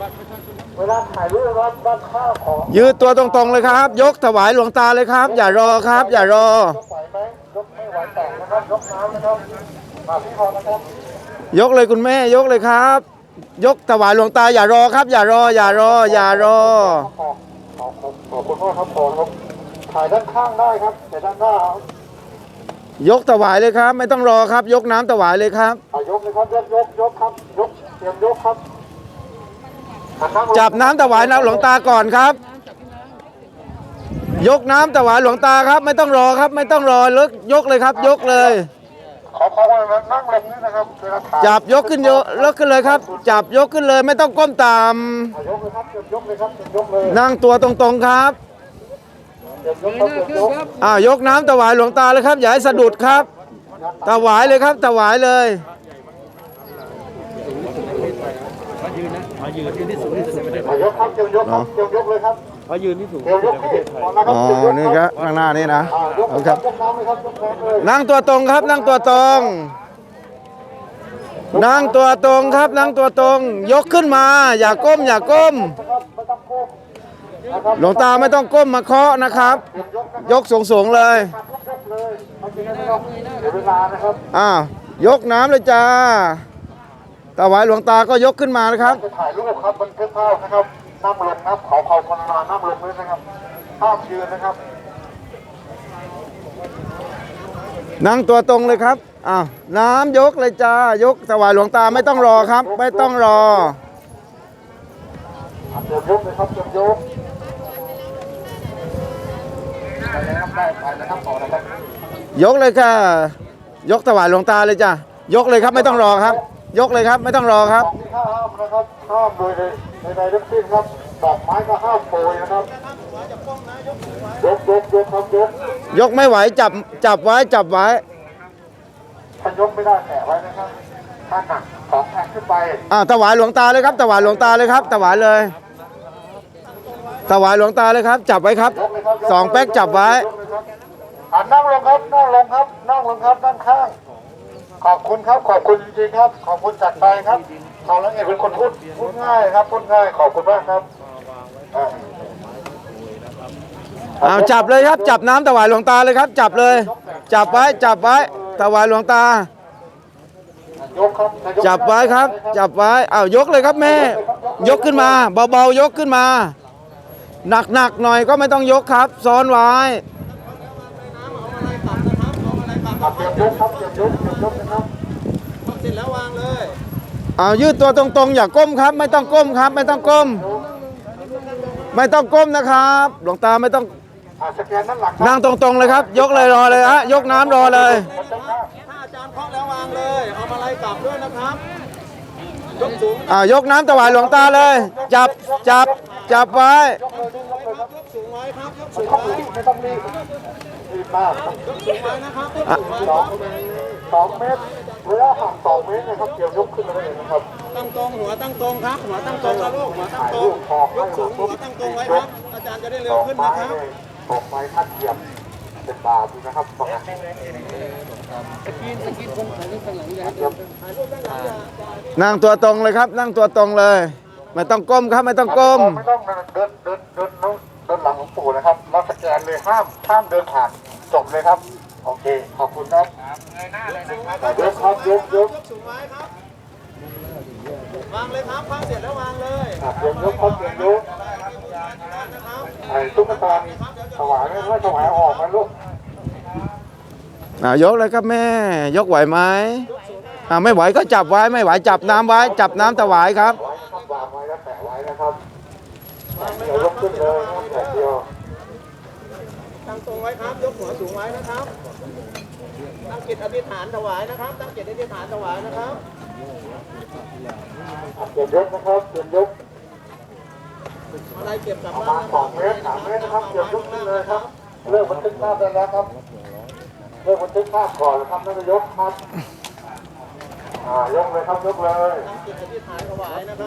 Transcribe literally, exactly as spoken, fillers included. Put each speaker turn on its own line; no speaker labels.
เวลาถ่ายรูปรับด้านข้าวของ
ยืดตัวตรงๆเลยครับยกถวายหลวงตาเลยครับอย่ารอครับอย่ารอย
กไหวไหมยกไม่ไหวแต่งนะครับยกน้ำนะครับมาพี่พอนะครับ
ยกเลยคุณแม่ยกเลยครับ ยกถวายหลวงตาอย่ารอครับ อย่ารออย่ารออย่ารอ
ขอบคุณขอบคุณมากครับขอครับถ่ายด้านข้างได้ครับแต่ด้านหน้าย
กถวายเลยครับ ไม่ต้องรอครับ ยกน้ำถวายเลยครับ
ยกเลยครับยกยกยกครับยกเตรียมยกครับ
จับน้ำถวายน้ำหลวงตาก่อนครับ ยกน้ำถวายหลวงตาครับ ไม่ต้องรอครับ ไม่ต้องรอเลิกยกเลยครับ ยกเลย
ขอขอว่านั่งลงนี่นะครับ
จับยกขึ้นยกยกขึ้นเลยครับ จับยกขึ้นเลยไม่ต้องก้มต่ำ
ยกเลยครับยกเลยครับยกเลย
นั่งตัวตรงๆครับอ่ายกน้ำถวายหลวงตาเลยครับอย่าให้สะดุดครับถวายเลยครับถวายเลย
ขอยืนนะขอยืนยืนที่สูงที่สุดไม่ได้
ยกครับยกครับยกเลยครับ
ขอยืนที่สูง
ยกที่
อ๋อนี่ครับข้างหน้านี่นะ
ครับ
นั่งตัวตรงครับนั่งตัวตรง นั่งตัวตรงครับนั่งตัวตรงยกขึ้นมาอย่าก้มอย่าก้มหลวงตาไม่ต้องก้มมาเคาะนะครับยกสูงๆเลยอ้าวยกน้ำเลยจ้าถวายหลวงตาก็ยกขึ้นมานะครับ
ถ่ายรูปครับบันทึกภาพนะครับนั่งลงครับขอขอบคุณมานั่งลงเลยนะครับภาพยืนนะครับ
นั่งตัวตรงเลยครับอ้าวน้ำยกเลยจ้ายกถวายหลวงตาไม่ต้องรอครับไม่ต้องรอ
เตรียมยกเลยครับเตรียมยกไปนะครับได้ไปนะครับต่อนะครับ
ยกเลยค่ะยกถวายหลวงตาเลยจ้ายกเลยครับไม่ต้องรอครับยกเลยครับไม่ต้องรอครับ
ห้ามนะครับห้ามโดยในในทั้งสิ้นครับดอกไม้ก็ห้ามโปรยนะครับยกยกยกครับยก
ยกไม่ไหวจับจับไว้จับไว้
ถ้ายกไม่ได้แตะไว้นะครับถ้าหนักสองแผ่นขึ้นไป
อ่าถวายหลวงตาเลยครับถวายหลวงตาเลยครับถวายเลยถวายหลวงตาเลยครับจับไว้ครับสองแป๊กจับไว้
นั่งลงครับนั่งลงครับนั่งลงครับด้านข้างขอบคุณครับขอบคุณจริงๆครับขอบคุณจัดไปครับทางละเอียดเป็นคนพูดพูดง่ายครับพูดง่ายขอบคุณมากครับ
เอาจับเลยครับจับน้ำถวายหลวงตาเลยครับจับเลยจับไว้จับไว้ถวายหลวงตาจับไว้ครับจับไว้เอายกเลยครับแม่ยกขึ้นมาเบาๆยกขึ้นมาหนักๆหน่อยก็ไม่ต้องยกครับซ้อนไว้
เตรียมยกครับเตรียมยกเตรียมยกนะครับ
เสร็จแล้ววางเลย
เอายืดตัวตรงๆอย่าก้มครับไม่ต้องก้มครับไม่ต้องก้มไม่ต้องก้มนะครับหลวงตาไม่ต้องนั่งตรงๆเลยครับยกเลยรอเลยฮะยกน้ำรอเลย
ถ้าอาจารย์เคาะแล้ววางเลยเอามาไล่กลับด้วยนะครับยกสูง
อ่ายกน้ำถวายหลวงตาเลยจับจับจับไว้
ยกสูงไว้ครับยกสูงไว้
ไม่ต้องรีบรีบมาก
ยกสูงไว้นะครับยกสูงไว้ครับ
สองเมตรระยะห่างสองเมตรนะครับเกี่ยวยกขึ้นมาได้เลยนะครับ
ตั้งตรงหัวตั้งตรงครับหัวตั้งตรงนะลูกหัวตั้งตรงยกสูงหัวตั้งตรงไว้ครับอาจารย์จะได้เร็วขึ้นนะครับ
ตกไม้ขั้นเหยียบเป็นบาทนะครับตรงนั้น
นั่งตัวตรงเลยครับนั่งตัวตรงเลยไม่ต้องก้มครับไม่ต้องก้ม
ไม่ต้องเดินเดินเดินเดินหลังหลวงปู่นะครับเราสแกนเลยห้ามห้ามเดินผ่านจบเลยครับโอเคขอบคุณครับเงยหน้าเลยนะครับยกครับยกยก
สูงไว้ครับวางเลยครับวางเสร็จแล้ววางเลย
เตรียมยกครับเตรียมยกไอ้ตุ๊กตาถวายไม่ไม่ถวายออกมาลูก
อ่ายกเลยครับแม่ยกไหวไหมอ่าไม่ไหวก็จับไว้ไม่ไหวจับน้ำไว้จับน้ำถวายครับ
วางไว้แล้วแปะไว้นะครับเดี๋ยวยกขึ้นเลยนะแปะเดียว
ตั้งตรงไว้ครับยกหัวสูงไว้นะครับตั้งจิตอธิษฐานถวายนะครับตั้งจิตอธิษฐานถวายนะครับ
เตรียมยกนะครับเตรียมยก
อะไรเก็บกลับ
บ้านสองเมตรสามเมตรนะครับเตรียมยกขึ้นเลยครับเริ่มบันทึกภาพได้แล้วครับเริ่มบันทึกภาพก่อนนะครับนายกครับอ่ายกเลยครับยกเลย
ตั้งจิตอธิษฐานถวายนะครับ